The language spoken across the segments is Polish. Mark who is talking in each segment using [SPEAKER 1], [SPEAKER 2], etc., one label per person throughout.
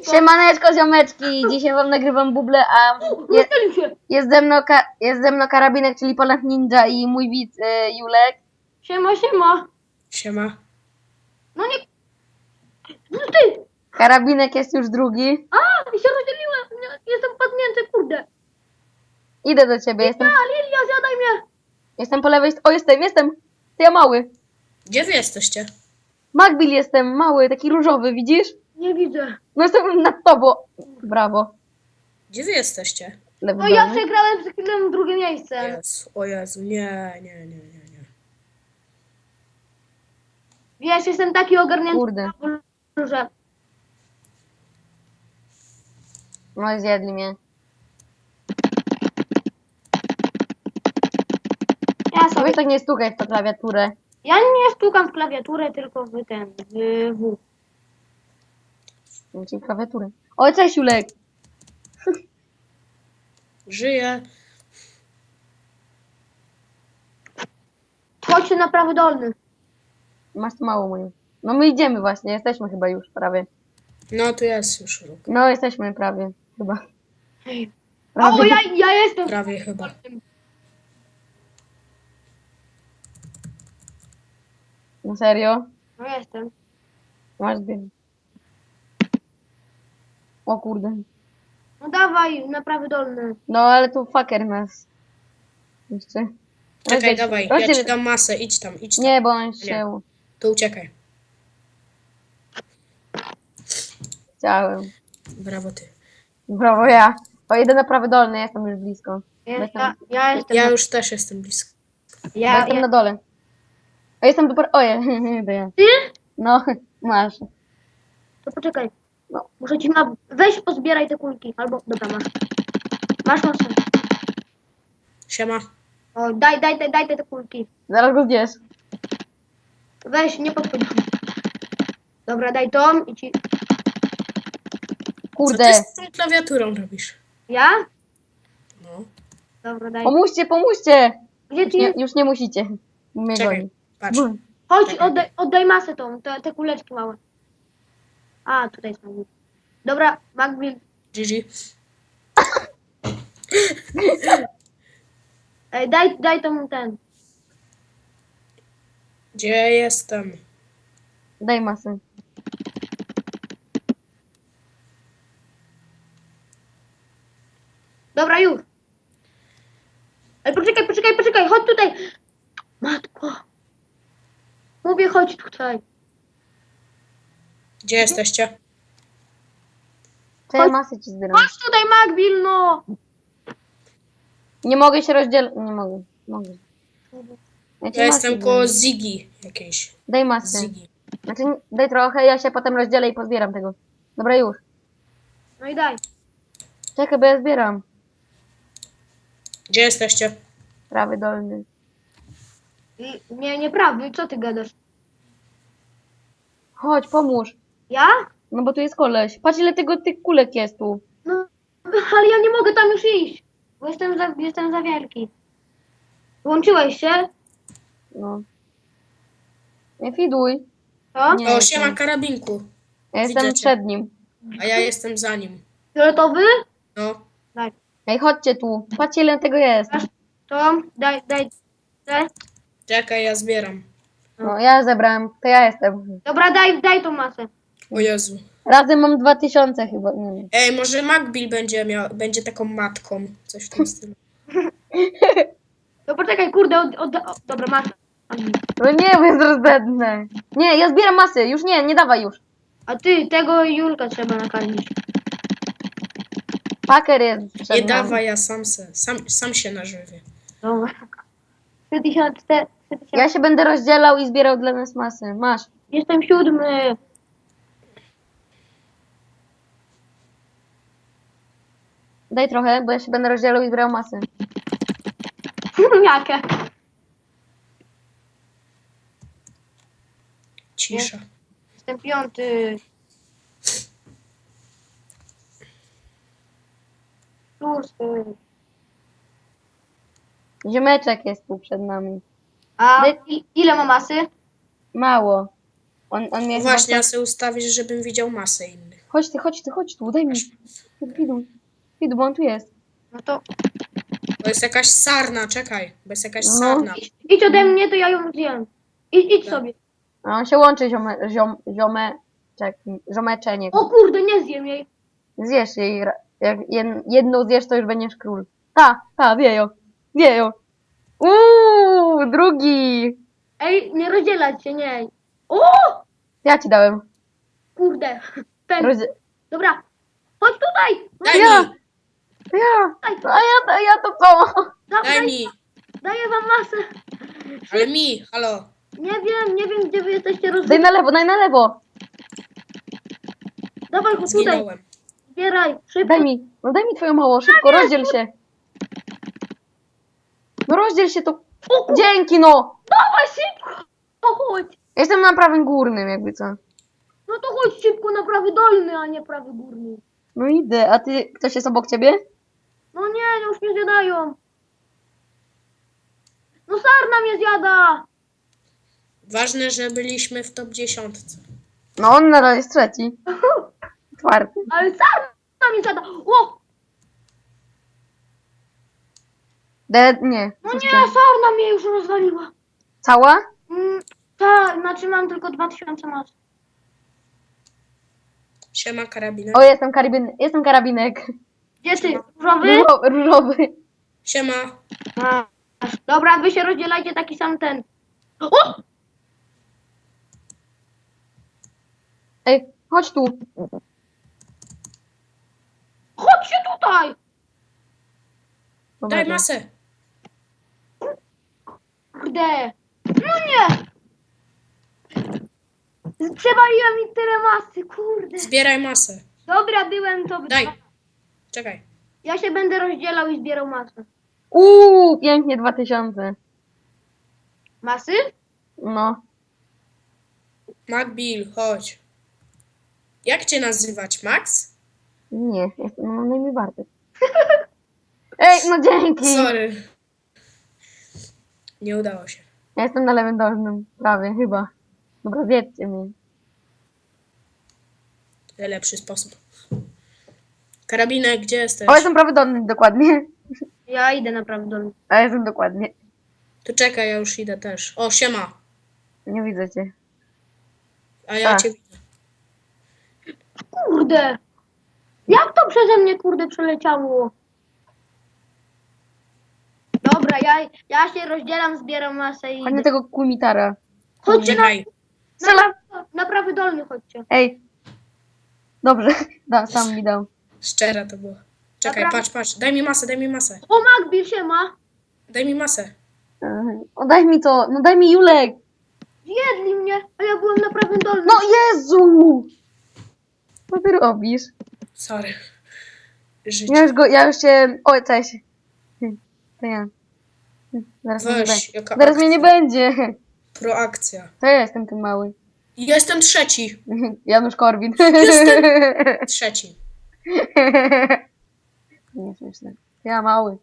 [SPEAKER 1] Siemaneczko, ziomeczki! Dzisiaj wam nagrywam buble, a jest ze mną Karabinek, czyli Polak Ninja i mój widz Julek.
[SPEAKER 2] Siema, siema.
[SPEAKER 3] Siema.
[SPEAKER 2] No nie... No ty!
[SPEAKER 1] Karabinek jest już drugi.
[SPEAKER 2] A, mi się rozdzieliłem. Jestem padnięty, kurde.
[SPEAKER 1] Idę do ciebie,
[SPEAKER 2] Lilia, zjadaj mnie.
[SPEAKER 1] jestem po lewej O, jestem! Ty, ja mały.
[SPEAKER 3] Gdzie wy jesteście?
[SPEAKER 1] Magbil jestem, mały, taki różowy, widzisz?
[SPEAKER 2] Nie widzę.
[SPEAKER 1] No jestem nad tobą. Brawo.
[SPEAKER 3] Gdzie wy jesteście?
[SPEAKER 1] Lewy
[SPEAKER 2] No ja
[SPEAKER 1] dolny.
[SPEAKER 2] przegrałem z chwilą drugie miejsce.
[SPEAKER 3] Jezu, o Jezu, nie.
[SPEAKER 2] Wiesz, jestem taki ogarnięty,
[SPEAKER 1] Kurde.
[SPEAKER 2] że...
[SPEAKER 1] No i zjedli mnie.
[SPEAKER 2] Ja
[SPEAKER 1] No
[SPEAKER 2] sobie...
[SPEAKER 1] weź tak nie stukaj w tą klawiaturę.
[SPEAKER 2] Ja nie stukam w klawiaturę, tylko w ten... w...
[SPEAKER 1] Ci klawiaturę. O, cześć Julek.
[SPEAKER 3] Żyję.
[SPEAKER 2] Chodź na prawy dolny.
[SPEAKER 1] Masz tu mało moją. No my idziemy właśnie, jesteśmy chyba już prawie.
[SPEAKER 3] No tu jest już ruch.
[SPEAKER 1] No jesteśmy prawie, chyba.
[SPEAKER 2] O,
[SPEAKER 1] Prawie.
[SPEAKER 2] ja jestem...
[SPEAKER 3] Prawie chyba.
[SPEAKER 1] No serio?
[SPEAKER 2] No jestem.
[SPEAKER 1] Masz dym. O kurde.
[SPEAKER 2] No dawaj, na prawy dolny.
[SPEAKER 1] No ale tu fucker nas. Jeszcze.
[SPEAKER 3] Czekaj, dawaj, ja
[SPEAKER 1] rozdziel-
[SPEAKER 3] ci dam masę, idź tam.
[SPEAKER 1] Nie, bo on się...
[SPEAKER 3] To uciekaj.
[SPEAKER 1] Chciałem.
[SPEAKER 3] Brawo ty.
[SPEAKER 1] Brawo ja. O, idę na prawy dolny, jestem już blisko.
[SPEAKER 2] Ja jestem...
[SPEAKER 3] Ja już też jestem blisko.
[SPEAKER 1] Bo jestem na dole. A jestem do... Oje, to ja.
[SPEAKER 2] Ty?
[SPEAKER 1] No, masz.
[SPEAKER 2] To poczekaj.
[SPEAKER 1] No.
[SPEAKER 2] Muszę ci weź pozbieraj te kulki. Albo, dobra, masz. Masz masę.
[SPEAKER 3] Siema.
[SPEAKER 2] O, daj te kulki.
[SPEAKER 1] Zaraz go zjesz.
[SPEAKER 2] Weź, nie podchodź. Dobra, daj tą i ci...
[SPEAKER 3] Co ty
[SPEAKER 1] Kurde.
[SPEAKER 3] z tą klawiaturą robisz?
[SPEAKER 2] Ja?
[SPEAKER 3] No.
[SPEAKER 2] Dobra, daj.
[SPEAKER 1] Pomóżcie!
[SPEAKER 2] Gdzie ty jest?
[SPEAKER 1] Już nie musicie. Mnie
[SPEAKER 3] Czekaj,
[SPEAKER 1] goni.
[SPEAKER 3] patrz.
[SPEAKER 2] Chodź, oddaj masę tą, te kuleczki małe. A, tutaj są. Dobra, Magbil.
[SPEAKER 3] GG.
[SPEAKER 2] Ej, daj tą ten.
[SPEAKER 3] Gdzie jestem?
[SPEAKER 1] Daj masę.
[SPEAKER 2] Dobra, już. Ej, poczekaj, chodź tutaj. Matko. Mówię, chodź tutaj.
[SPEAKER 3] Gdzie jesteście?
[SPEAKER 1] To ja
[SPEAKER 2] Chodź.
[SPEAKER 1] masę ci zbieram.
[SPEAKER 2] Chodź tutaj, Magbil, no.
[SPEAKER 1] Nie mogę się rozdzielić. Nie mogę. Mogę. Ja ci
[SPEAKER 3] Ja
[SPEAKER 1] masę
[SPEAKER 3] jestem
[SPEAKER 1] zbieram.
[SPEAKER 3] koło Ziggy jakiejś.
[SPEAKER 1] Daj masę.
[SPEAKER 3] Ziggy.
[SPEAKER 1] Znaczy, daj trochę, ja się potem rozdzielę i pozbieram tego. Dobra, już.
[SPEAKER 2] No i daj.
[SPEAKER 1] Czekaj, bo ja zbieram.
[SPEAKER 3] Gdzie jesteście?
[SPEAKER 1] Prawy dolny.
[SPEAKER 2] Nieprawda, co ty gadasz?
[SPEAKER 1] Chodź, pomóż.
[SPEAKER 2] Ja?
[SPEAKER 1] No bo tu jest koleś. Patrz ile tych kulek jest tu.
[SPEAKER 2] No, ale ja nie mogę tam już iść, bo jestem za wielki. Włączyłeś się?
[SPEAKER 1] No. Nie fiduj.
[SPEAKER 2] Co?
[SPEAKER 1] Nie.
[SPEAKER 3] O, siema karabinku.
[SPEAKER 1] Ja jestem
[SPEAKER 3] Widzę cię.
[SPEAKER 1] przed nim.
[SPEAKER 3] A ja jestem za nim.
[SPEAKER 2] Fioletowy?
[SPEAKER 3] No.
[SPEAKER 2] Daj.
[SPEAKER 1] Ej, chodźcie tu. Patrzcie ile tego jest.
[SPEAKER 2] To, daj.
[SPEAKER 3] Czekaj, ja zbieram.
[SPEAKER 1] No, ja zebrałem. To ja jestem.
[SPEAKER 2] Dobra, daj tą masę.
[SPEAKER 3] O Jezu.
[SPEAKER 1] Razem mam 2000 chyba. Nie wiem.
[SPEAKER 3] Ej, może Magbil będzie taką matką. Coś w tym stylu.
[SPEAKER 2] No poczekaj, kurde, dobra, masz.
[SPEAKER 1] No nie, bo jest rozdętne. Nie, ja zbieram masy. Już nie dawaj już.
[SPEAKER 2] A ty, tego Julka trzeba nakarmić.
[SPEAKER 1] Paker jest przed
[SPEAKER 3] Nie
[SPEAKER 1] nami.
[SPEAKER 3] dawaj, ja sam się nażywię.
[SPEAKER 2] Dobra. 3000.
[SPEAKER 1] Ja się będę rozdzielał i zbierał dla nas masy. Masz.
[SPEAKER 2] Jestem 7.
[SPEAKER 1] Daj trochę, bo ja się będę rozdzielał i zbierał masy.
[SPEAKER 2] Jakie?
[SPEAKER 3] Cisza.
[SPEAKER 2] Jestem 5. Szósty.
[SPEAKER 1] Ziomeczek jest tu przed nami.
[SPEAKER 2] A
[SPEAKER 1] Daj-
[SPEAKER 2] ile ma masy?
[SPEAKER 1] Mało. On mnie
[SPEAKER 3] Właśnie,
[SPEAKER 1] chyba...
[SPEAKER 3] ja sobie ustawię, żebym widział masę innych.
[SPEAKER 1] Chodź tu, daj mi. Widu, bo on tu jest.
[SPEAKER 2] No to
[SPEAKER 3] To jest jakaś sarna, czekaj. Bo jest jakaś
[SPEAKER 1] No.
[SPEAKER 3] sarna.
[SPEAKER 2] idź ode mnie, to ja ją zjem. Idź
[SPEAKER 3] Tak.
[SPEAKER 2] sobie.
[SPEAKER 1] A on się łączy, ziomeczenie.
[SPEAKER 2] O kurde, nie zjem jej.
[SPEAKER 1] Zjesz jej. Jak jedną zjesz, to już będziesz król. Wiejo. Drugi.
[SPEAKER 2] Ej, nie rozdzielać się, nie. O!
[SPEAKER 1] Ja ci dałem.
[SPEAKER 2] Kurde. Ten.
[SPEAKER 1] Rozdzie...
[SPEAKER 2] Dobra. Chodź tutaj.
[SPEAKER 3] Daj
[SPEAKER 1] Ja.
[SPEAKER 3] mi!
[SPEAKER 1] Ja. A ja to co?
[SPEAKER 3] Daj mi!
[SPEAKER 2] Daję wam masę.
[SPEAKER 3] Ale mi! Halo!
[SPEAKER 2] Nie wiem, gdzie wy jesteście
[SPEAKER 1] Daj
[SPEAKER 2] rozdzieleni.
[SPEAKER 1] na lewo.
[SPEAKER 2] Dawaj go tutaj.
[SPEAKER 3] Zginąłem.
[SPEAKER 2] Zbieraj. Szybko.
[SPEAKER 1] Daj mi twoją małą, szybko, rozdziel się. No rozdziel się to.
[SPEAKER 2] O kurde,
[SPEAKER 1] Dzięki, no.
[SPEAKER 2] dawaj szybko. Chodź.
[SPEAKER 1] Jestem na prawym górnym, jakby co.
[SPEAKER 2] No to chodź szybko na prawy dolny, a nie prawy górny.
[SPEAKER 1] No idę, a ty, ktoś jest obok ciebie?
[SPEAKER 2] No nie, już mnie zjadają. No sarna mnie zjada.
[SPEAKER 3] Ważne, że byliśmy w top 10.
[SPEAKER 1] No on nadal jest trzeci. Czwarty.
[SPEAKER 2] Ale sarna mnie zjada. O!
[SPEAKER 1] Nie.
[SPEAKER 2] No nie, sarna mnie już rozwaliła.
[SPEAKER 1] Cała?
[SPEAKER 2] Tak, znaczy mam tylko 2000 mas.
[SPEAKER 3] Siema, karabinek.
[SPEAKER 1] O, jestem karabinek.
[SPEAKER 2] Gdzie ty? Różowy?
[SPEAKER 1] Różowy.
[SPEAKER 3] Siema.
[SPEAKER 2] Masz. Dobra, wy się rozdzielajcie taki sam ten. O!
[SPEAKER 1] Ej, chodź tu.
[SPEAKER 2] Chodźcie tutaj!
[SPEAKER 1] Dobra,
[SPEAKER 3] Daj
[SPEAKER 1] to-
[SPEAKER 3] masę.
[SPEAKER 2] Kurde! No nie! Przewaliła mi tyle masy, kurde.
[SPEAKER 3] Zbieraj masę.
[SPEAKER 2] Dobra, byłem to.
[SPEAKER 3] Daj. Czekaj.
[SPEAKER 2] Ja się będę rozdzielał i zbierał masę.
[SPEAKER 1] Pięknie 2000.
[SPEAKER 2] Masy?
[SPEAKER 1] No.
[SPEAKER 3] Macbill, chodź. Jak cię nazywać? Max?
[SPEAKER 1] Nie, mam na imię Bartek. Ej, no dzięki.
[SPEAKER 3] Sorry. Nie udało się.
[SPEAKER 1] Ja jestem na lewym dolnym, prawie, chyba. Dobra, zjedzcie mnie.
[SPEAKER 3] Najlepszy sposób. Karabinek, gdzie jesteś?
[SPEAKER 1] O, jestem prawy dolny, dokładnie.
[SPEAKER 2] Ja idę na prawy dolny.
[SPEAKER 1] A jestem dokładnie.
[SPEAKER 3] To czekaj, ja już idę też. O, siema.
[SPEAKER 1] Nie widzę cię.
[SPEAKER 3] A ja
[SPEAKER 1] A.
[SPEAKER 3] cię widzę.
[SPEAKER 2] Kurde! Jak to przeze mnie, kurde, przeleciało? Dobra, ja się rozdzielam, zbieram masę i
[SPEAKER 1] Chodź na
[SPEAKER 2] idę.
[SPEAKER 1] tego kumitara.
[SPEAKER 2] Chodźcie
[SPEAKER 3] Czekaj.
[SPEAKER 1] Strzela!
[SPEAKER 2] na prawy dolny, chodźcie.
[SPEAKER 1] Ej. Dobrze, sam mi dał.
[SPEAKER 3] Szczere to było. Czekaj,
[SPEAKER 2] Dobra.
[SPEAKER 3] patrz. Daj mi masę, daj mi masę.
[SPEAKER 2] O, Macbill się ma.
[SPEAKER 3] Daj mi masę.
[SPEAKER 1] O, daj mi to, no daj mi Julek.
[SPEAKER 2] Zjedli mnie, a ja byłem na prawym dolnym.
[SPEAKER 1] No Jezu! Co ty robisz?
[SPEAKER 3] Sorry. Życie.
[SPEAKER 1] Ja już się... O, cześć. To ja. Zaraz mnie nie
[SPEAKER 3] Weź,
[SPEAKER 1] będzie.
[SPEAKER 3] jaka
[SPEAKER 1] Zaraz mnie nie
[SPEAKER 3] akcja.
[SPEAKER 1] będzie.
[SPEAKER 3] Proakcja.
[SPEAKER 1] To ja jestem ten mały.
[SPEAKER 3] Jestem trzeci.
[SPEAKER 1] Janusz Korwin.
[SPEAKER 3] Trzeci.
[SPEAKER 1] Nie śmieszne. Ja mały.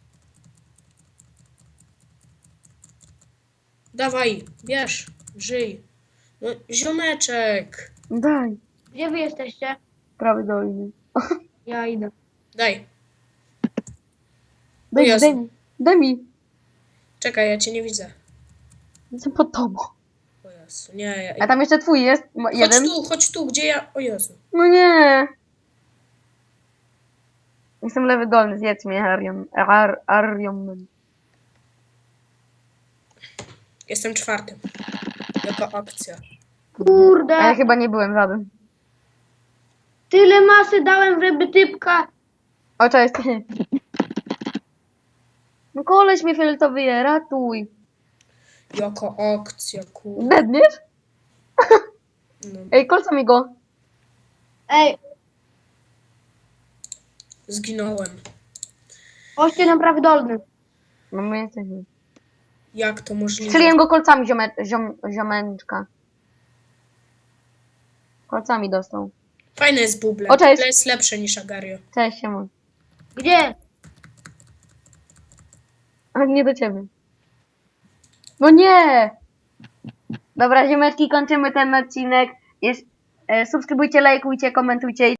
[SPEAKER 3] Dawaj, bierz. Żyj. No, ziomeczek.
[SPEAKER 1] Daj.
[SPEAKER 2] Gdzie wy jesteście?
[SPEAKER 1] Prawy dolny.
[SPEAKER 2] Ja idę.
[SPEAKER 3] Daj.
[SPEAKER 1] Daj mi,
[SPEAKER 3] Jezu.
[SPEAKER 1] daj mi. Daj mi.
[SPEAKER 3] Czekaj, ja cię nie widzę.
[SPEAKER 1] Jestem pod tobą.
[SPEAKER 3] O Jezu, nie.
[SPEAKER 1] A tam jeszcze twój jest. Jeden.
[SPEAKER 3] Chodź tu, gdzie ja... O Jezu.
[SPEAKER 1] No nie. Jestem lewy dolny, zjedz mnie, Arion.
[SPEAKER 3] Jestem czwartym. Jaka akcja.
[SPEAKER 2] Kurde,
[SPEAKER 1] A ja chyba nie byłem żaden.
[SPEAKER 2] tyle masy dałem, żeby typka.
[SPEAKER 1] O, cześć. No koleś mnie fioletowy je, ratuj.
[SPEAKER 3] Jaka akcja, kur...
[SPEAKER 1] Dedniesz?
[SPEAKER 3] No.
[SPEAKER 1] Ej, kolca mi go.
[SPEAKER 2] Ej,
[SPEAKER 3] Zginąłem.
[SPEAKER 2] chodźcie na prawy dolny.
[SPEAKER 1] No my jesteśmy.
[SPEAKER 3] Jak to możliwe?
[SPEAKER 1] Strzeliłem go kolcami, ziomeczka. Kolcami dostał.
[SPEAKER 3] Fajne jest buble.
[SPEAKER 1] O, cześć.
[SPEAKER 3] To jest lepsze niż Agario.
[SPEAKER 1] Cześć, siema.
[SPEAKER 2] Gdzie?
[SPEAKER 1] Ale nie do ciebie. No nie! Dobra, ziomeczki, kończymy ten odcinek. Subskrybujcie, lajkujcie, komentujcie.